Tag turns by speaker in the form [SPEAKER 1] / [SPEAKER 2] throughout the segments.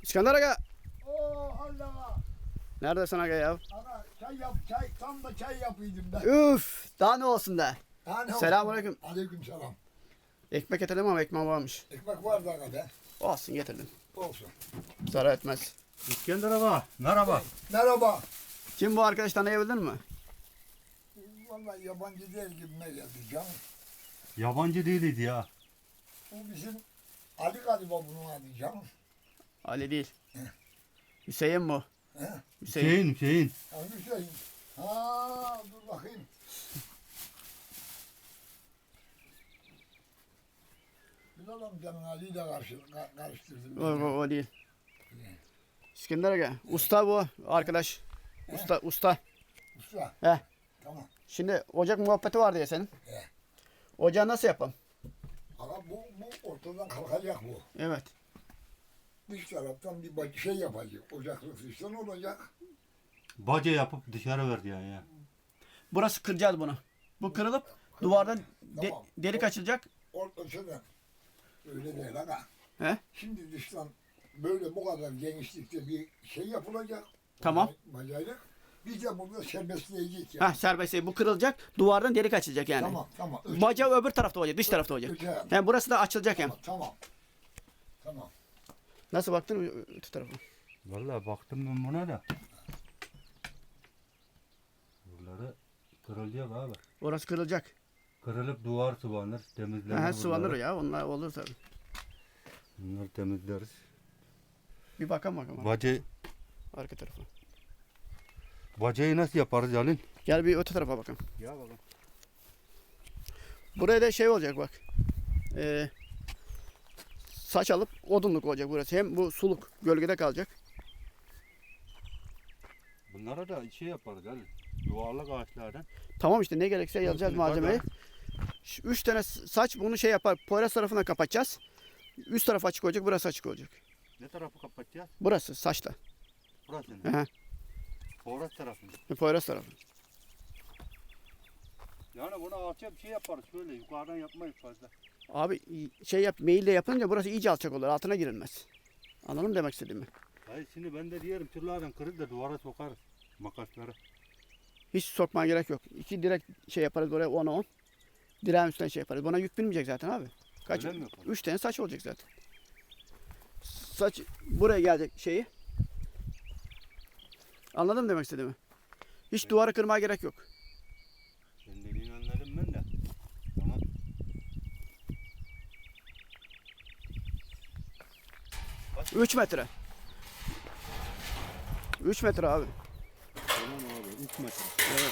[SPEAKER 1] İskender Aga.
[SPEAKER 2] Oo Allah.
[SPEAKER 1] Neredesin Aga ya?
[SPEAKER 2] Ana çay yap çay. Tam da çay yapıyordum ben.
[SPEAKER 1] Üf. Daha ne olsun da. Selamünaleyküm.
[SPEAKER 2] Aleyküm selam.
[SPEAKER 1] Ekmek getirdim ama ekmeğim varmış.
[SPEAKER 2] Ekmek var da Aga be.
[SPEAKER 1] Olsun getirdim.
[SPEAKER 2] Olsun.
[SPEAKER 1] Zarar etmez.
[SPEAKER 3] İskender Ağa, merhaba.
[SPEAKER 2] Merhaba.
[SPEAKER 1] Kim bu arkadaş, tanıyabildin mi?
[SPEAKER 2] Vallahi yabancı değil gibime geldi canım.
[SPEAKER 3] Yabancı değildi ya.
[SPEAKER 2] Bu bizim Ali galiba bunun adı canım.
[SPEAKER 1] Ali değil. Hüseyin bu.
[SPEAKER 2] He?
[SPEAKER 3] Hüseyin.
[SPEAKER 2] Hangi Hüseyin? Ha dur bakayım. Bilal amcanın Ali'yi de karıştırdım.
[SPEAKER 1] O değil. İskender Aga. Usta bu arkadaş. Usta.
[SPEAKER 2] Usta.
[SPEAKER 1] He.
[SPEAKER 2] Tamam.
[SPEAKER 1] Şimdi ocak muhabbeti vardı ya senin.
[SPEAKER 2] He.
[SPEAKER 1] Ocağı nasıl yapalım?
[SPEAKER 2] Ama bu ortadan kalkacak bu.
[SPEAKER 1] Evet.
[SPEAKER 2] Dış taraftan bir şey yapacak. Ocaklık dıştan olacak.
[SPEAKER 3] Baca yapıp dışarı verdi yani ya.
[SPEAKER 1] Burası kıracağız bunu. Bu kırılıp duvardan
[SPEAKER 2] Tamam.
[SPEAKER 1] delik açılacak.
[SPEAKER 2] Ortasından. Öyle değil aga.
[SPEAKER 1] He?
[SPEAKER 2] Şimdi dıştan böyle bu kadar genişlikte bir şey yapılacak.
[SPEAKER 1] Tamam.
[SPEAKER 2] Bacayla. Biz de burada serbestleyecek yani.
[SPEAKER 1] Ha, serbest. Bu kırılacak. Duvardan delik açılacak yani.
[SPEAKER 2] Tamam.
[SPEAKER 1] Bacağı öbür tarafta olacak. Dış tarafta olacak.
[SPEAKER 2] Öte-
[SPEAKER 1] Yani burası da açılacak hem.
[SPEAKER 2] Tamam.
[SPEAKER 1] Nasıl baktın öte tarafa?
[SPEAKER 3] Vallahi baktım ben buna da. Buraları kırılacak abi.
[SPEAKER 1] Orası kırılacak.
[SPEAKER 3] Kırılıp duvar sıvanır, temizlenir.
[SPEAKER 1] Ha, sıvanır
[SPEAKER 3] buraları.
[SPEAKER 1] ya. Onlar olur tabii.
[SPEAKER 3] Bunları temizleriz.
[SPEAKER 1] Bir bakalım.
[SPEAKER 3] Bacayı,
[SPEAKER 1] Arka tarafa.
[SPEAKER 3] bacayı nasıl yaparız Halil?
[SPEAKER 1] Gel bir öte tarafa bakalım.
[SPEAKER 3] Ya bakalım.
[SPEAKER 1] Buraya da şey olacak bak. Saç alıp odunluk olacak burası. Hem bu suluk gölgede kalacak.
[SPEAKER 3] Bunlara da şey yaparız Halil. Yuvarlak ağaçlardan.
[SPEAKER 1] Tamam işte, ne gerekse yazacağız malzemeyi. 3 tane saç bunu şey yapar. Poyraz tarafına kapatacağız. Üst taraf açık olacak, burası açık olacak.
[SPEAKER 3] Ne tarafı kapatacağız?
[SPEAKER 1] Burası saçla.
[SPEAKER 3] Burası mı?
[SPEAKER 1] Aha.
[SPEAKER 3] Poğraz tarafını.
[SPEAKER 1] Poyraz tarafı.
[SPEAKER 3] Yani buna alçak bir şey yaparız şöyle yukarıdan yapmayız fazla.
[SPEAKER 1] Abi şey yap, meyille yapınca burası iyice alçak olur. Altına girilmez. Anladın mı demek istediğimi?
[SPEAKER 3] Hayır şimdi ben de diyelim tırlardan kırıp da duvara sokarız makasları.
[SPEAKER 1] Hiç sokmaya gerek yok. 2 direk şey yaparız oraya, 10'a 10. Direğin üstüne şey yaparız. Buna yük binmeyecek zaten abi. Kaç?
[SPEAKER 3] Öyle mi yaparız?
[SPEAKER 1] 3 tane saç olacak zaten. Saç buraya gelecek şeyi. Anladın mı demek istediğimi? Hiç
[SPEAKER 3] Evet.
[SPEAKER 1] duvarı kırmaya gerek yok.
[SPEAKER 3] Senin dediğini anladım ben de. Tamam. Kaç?
[SPEAKER 1] 3 metre. 3 metre abi.
[SPEAKER 3] Tamam abi 3 metre.
[SPEAKER 1] Evet.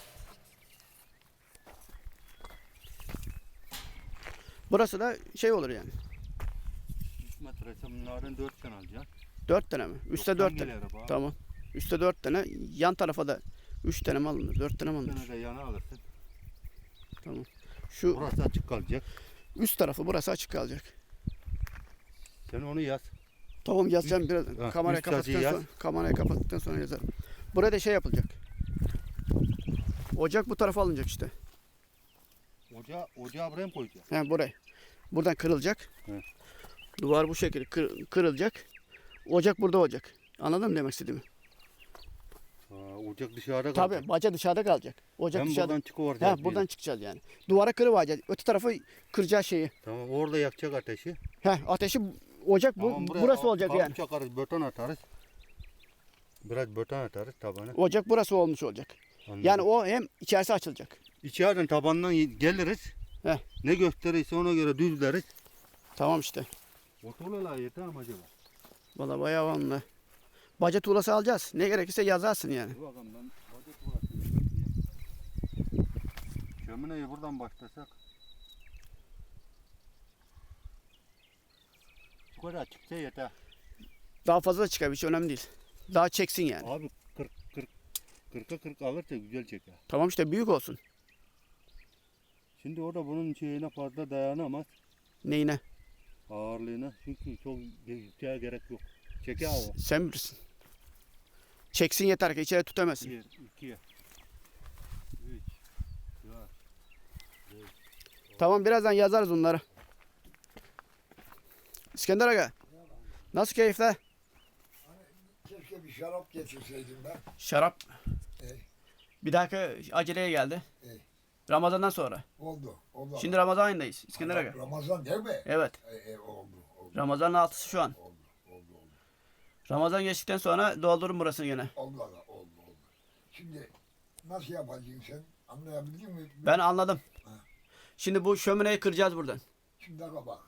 [SPEAKER 1] Burası da şey olur yani.
[SPEAKER 3] 3 metre ise bunlardan 4 tane alacaksın.
[SPEAKER 1] 4 tane mi? Üste
[SPEAKER 3] Yoktan
[SPEAKER 1] 4 tane.
[SPEAKER 3] gelir abi.
[SPEAKER 1] Tamam. Üste 4 tane. Yan tarafa da 3 tane mi alınır? 4 tane mi
[SPEAKER 3] 3
[SPEAKER 1] alınır?
[SPEAKER 3] tane de yana alırsın.
[SPEAKER 1] Tamam. Şu
[SPEAKER 3] Burası açık kalacak.
[SPEAKER 1] üst tarafı burası açık kalacak.
[SPEAKER 3] Sen onu yaz.
[SPEAKER 1] Tamam, yazacağım biraz.
[SPEAKER 3] Ha,
[SPEAKER 1] Kamerayı
[SPEAKER 3] üst sacıyı
[SPEAKER 1] kapattıktan sonra, kamerayı kapattıktan sonra yazarım. Buraya da şey yapılacak. Ocak bu tarafa alınacak işte.
[SPEAKER 3] Ocağı buraya mı koyacağız?
[SPEAKER 1] Yani buraya. Buradan kırılacak.
[SPEAKER 3] Evet.
[SPEAKER 1] Duvar bu şekilde kırılacak. Ocak burada olacak. Anladın mı demek istediğimi?
[SPEAKER 3] Ocak dışarıda kalacak.
[SPEAKER 1] Tabii baca dışarıda kalacak. Ocak
[SPEAKER 3] Ben
[SPEAKER 1] dışarıda.
[SPEAKER 3] buradan çıkıvereceğiz.
[SPEAKER 1] He, buradan çıkacağız yani. Duvara kırıvacağız. Öte tarafı kıracağı şeyi.
[SPEAKER 3] Tamam orada yakacak ateşi.
[SPEAKER 1] Ateşi ocak
[SPEAKER 3] Tamam,
[SPEAKER 1] burası olacak yani.
[SPEAKER 3] Çakarız, beton atarız. Biraz beton atarız tabana.
[SPEAKER 1] Ocak burası olmuş olacak.
[SPEAKER 3] Anladım.
[SPEAKER 1] Yani o hem içerisi açılacak.
[SPEAKER 3] İçeriden tabandan geliriz.
[SPEAKER 1] Heh.
[SPEAKER 3] Ne gösterirse ona göre düzleriz.
[SPEAKER 1] Tamam işte.
[SPEAKER 3] O tuğlalar yeter mi acaba?
[SPEAKER 1] Valla bayağı vanlı. Baca tuğlası alacağız. Ne gerekirse yazarsın yani.
[SPEAKER 3] Dur bakalım ben baca tuğlası. Şömineyi buradan başlasak. Bu kadar çıksa yeter.
[SPEAKER 1] Daha fazla da çıkar, hiç önemli değil. Daha çeksin yani.
[SPEAKER 3] Abi 40'a 40 alırsa güzel çeker.
[SPEAKER 1] Tamam işte, büyük olsun.
[SPEAKER 3] Şimdi o da bunun şeyine fazla dayanamaz.
[SPEAKER 1] Neyine?
[SPEAKER 3] Ağırlığına. Çünkü çok yükseğe gerek yok. Çeker o.
[SPEAKER 1] Sen bilirsin. Çeksin yeter ki içeri tutamazsın.
[SPEAKER 3] 1, 2, 3, 4.
[SPEAKER 1] Tamam, birazdan yazarız onları. İskender Aga. Nasıl keyifler?
[SPEAKER 2] şarap getirseydim ben.
[SPEAKER 1] Şarap
[SPEAKER 2] Ey,
[SPEAKER 1] bir dahaki aceleye geldi.
[SPEAKER 2] ey.
[SPEAKER 1] Ramazan'dan sonra.
[SPEAKER 2] Oldu. Oldu.
[SPEAKER 1] Şimdi Ramazan ayındayız. İskender Aga.
[SPEAKER 2] Ramazan değil mi?
[SPEAKER 1] Evet.
[SPEAKER 2] Oldu. Oldu.
[SPEAKER 1] Ramazan'ın 6'sı şu an.
[SPEAKER 2] Oldu. Oldu. Oldu.
[SPEAKER 1] Ramazan geçtikten sonra doldurun burasını gene.
[SPEAKER 2] Oldu. Oldu. Oldu. Şimdi nasıl yapacaksın sen? Anlayabildin mi?
[SPEAKER 1] Ben anladım.
[SPEAKER 2] Ha.
[SPEAKER 1] Şimdi bu şömineyi kıracağız buradan.
[SPEAKER 2] Şimdi aga bak.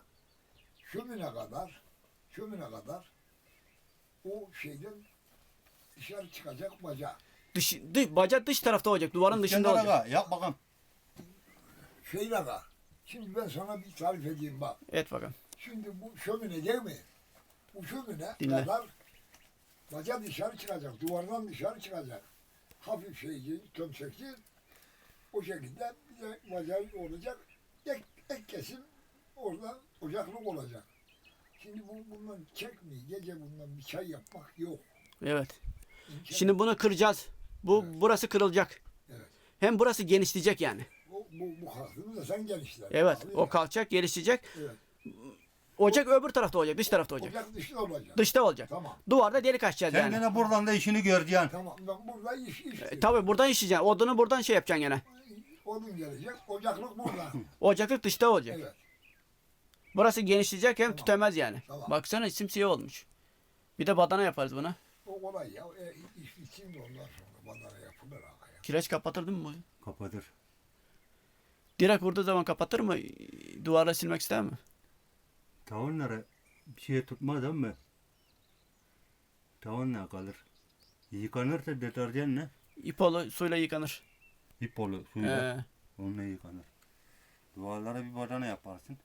[SPEAKER 2] Şömine kadar o şeyden dışarı çıkacak baca.
[SPEAKER 1] Baca dış tarafta olacak. Duvarın dışında
[SPEAKER 3] İskender
[SPEAKER 1] olacak.
[SPEAKER 3] Aga, yap bakalım.
[SPEAKER 2] Şeyle aga. Şimdi ben sana bir tarif edeyim bak.
[SPEAKER 1] Et bakalım.
[SPEAKER 2] Şimdi bu şömine değil mi? Bu şömine
[SPEAKER 1] Dinle.
[SPEAKER 2] kadar baca dışarı çıkacak. Duvardan dışarı çıkacak. Hafif şeyci, tömsekli. O şekilde bir de bacağı olacak. Ek kesim orada ocaklık olacak. Şimdi bundan çekmeyi, gece bundan bir çay yapmak yok.
[SPEAKER 1] Evet.
[SPEAKER 2] İmkan
[SPEAKER 1] Şimdi bunu kıracağız. Burası kırılacak.
[SPEAKER 2] Evet.
[SPEAKER 1] Hem burası genişleyecek yani.
[SPEAKER 2] Bu kalktığında da sen genişler.
[SPEAKER 1] Evet.
[SPEAKER 2] Abi
[SPEAKER 1] O
[SPEAKER 2] ya.
[SPEAKER 1] kalkacak, gelişecek.
[SPEAKER 2] Evet.
[SPEAKER 1] Ocak öbür tarafta olacak. Dış tarafta olacak.
[SPEAKER 2] Ocak dışında olacak.
[SPEAKER 1] Dışta olacak.
[SPEAKER 2] Tamam.
[SPEAKER 1] Duvarda delik açacağız
[SPEAKER 3] Sen
[SPEAKER 1] yani.
[SPEAKER 3] gene buradan da işini göreceksin.
[SPEAKER 2] Tamam. Ben burada iş
[SPEAKER 1] Tabii buradan işleyeceksin. Odunu buradan şey yapacaksın gene.
[SPEAKER 2] Odun gelecek. Ocaklık burada.
[SPEAKER 1] Ocaklık dışta olacak.
[SPEAKER 2] Evet.
[SPEAKER 1] Burası genişleyecek hem
[SPEAKER 2] Tamam.
[SPEAKER 1] tütemez yani.
[SPEAKER 2] Tamam.
[SPEAKER 1] Baksana simsiyah olmuş. Bir de badana yaparız buna.
[SPEAKER 2] O kolay ya. İş bitsin de ondan sonra badana yapılır aga ya.
[SPEAKER 1] Kireç kapatır değil mi bu?
[SPEAKER 3] Kapatır.
[SPEAKER 1] Direkt vurduğu zaman kapatır mı? Duvarla silmek ister mi?
[SPEAKER 3] Tavanlara bir şey tutmaz değil mi? Tavanla kalır. Yıkanırsa deterjanla,
[SPEAKER 1] İpolu suyla yıkanır.
[SPEAKER 3] ipolu suyla,
[SPEAKER 1] Ee,
[SPEAKER 3] onunla yıkanır. Duvarlara bir badana yaparsın.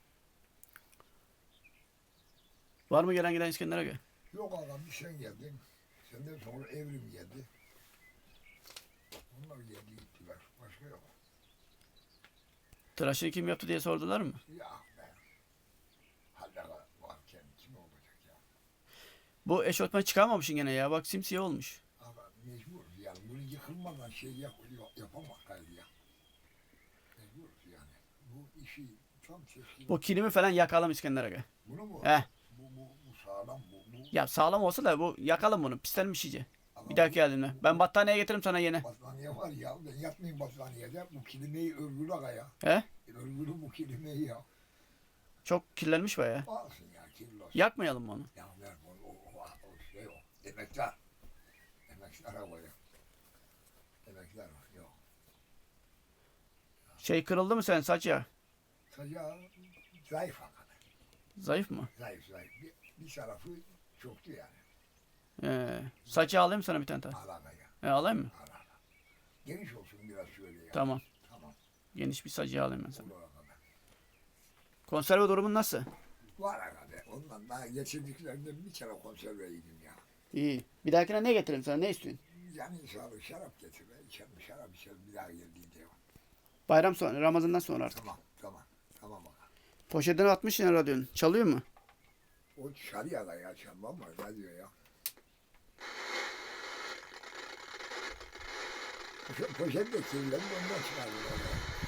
[SPEAKER 1] var mı gelen giden İskender Aga?
[SPEAKER 2] Yok aga bir sen geldin. Senden sonra Evrim geldi. Onlar geldi gittiler. Başka yok.
[SPEAKER 1] Tıraşını kim yaptı diye sordular mı?
[SPEAKER 2] Ya be. Hala varken kim olacak ya?
[SPEAKER 1] Bu eşofman çıkarmamışsın gene ya. Bak simsiyah olmuş.
[SPEAKER 2] Ama mecbur yani bunu yıkılmadan şey yapamak gayrı ya. Mecbur yani. Bu işi tam seçkin.
[SPEAKER 1] Bu kilimi falan yakalım İskender Aga.
[SPEAKER 2] Bunu mu?
[SPEAKER 1] He.
[SPEAKER 2] Bu sağlam bu.
[SPEAKER 1] Ya sağlam olsa da bu yakalım bunu. Pislenmiş iyice.
[SPEAKER 2] Ama
[SPEAKER 1] Bir dahaki geldiğimde. Ben battaniye getiririm sana yine.
[SPEAKER 2] battaniye var ya. Ben yatmayayım battaniyede. Bu kelimeyi örgülü aga ya.
[SPEAKER 1] He?
[SPEAKER 2] Örgülü bu kelimeyi ya.
[SPEAKER 1] Çok kirlenmiş bayağı.
[SPEAKER 2] Alsın ya kirlos.
[SPEAKER 1] Yakmayalım mı onu?
[SPEAKER 2] Ya ver bunu o şey o. Emekler. Emekler havaya. Emekler var. Yok.
[SPEAKER 1] Şey kırıldı mı sen saç ya?
[SPEAKER 2] Saca zayıf hakikaten.
[SPEAKER 1] Zayıf mı?
[SPEAKER 2] Zayıf. Bir tarafı çoktu yani.
[SPEAKER 1] Saçı alayım sana bir tane daha.
[SPEAKER 2] Alana ya.
[SPEAKER 1] Alayım mı?
[SPEAKER 2] Alana. Geniş olsun biraz şöyle ya.
[SPEAKER 1] Tamam.
[SPEAKER 2] Tamam.
[SPEAKER 1] Geniş bir sacı alayım ben sana.
[SPEAKER 2] Olur hakikaten.
[SPEAKER 1] Konserve durumun nasıl?
[SPEAKER 2] Var hakikaten. Ondan daha geçirdiklerinden bir kere konserve yedim ya.
[SPEAKER 1] İyi. Bir dahakine ne getireyim sana? Ne istiyorsun?
[SPEAKER 2] Yani sağlık şarap getir. İçerim şarap içerim bir daha geldiğinde.
[SPEAKER 1] Bayram sonra, Ramazan'dan sonra artık.
[SPEAKER 2] Tamam. Tamam bak.
[SPEAKER 1] Poşetine atmış yine radyonun. Çalıyor mu?
[SPEAKER 2] O şarıya da ya çalmam var. Ne diyor ya? Poşet de kirlendi ondan çıkardılar.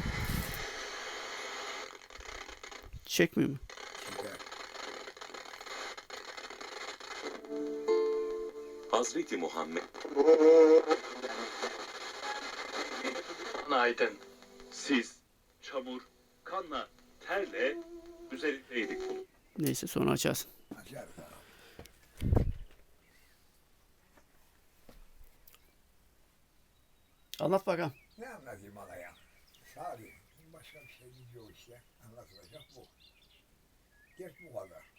[SPEAKER 1] Çekmiyor mu?
[SPEAKER 2] Şeker.
[SPEAKER 4] Hazreti Muhammed
[SPEAKER 5] Aydın.
[SPEAKER 4] siz çamur, kanla, terle üzerindeydik bunun.
[SPEAKER 1] Neyse sonra açarsın.
[SPEAKER 2] Açar da.
[SPEAKER 1] Anlat bakalım.
[SPEAKER 2] Ne anlatayım ana ya? Sağ başka bir şey yok işte. Anlatılacak bu. Dert bu kadar.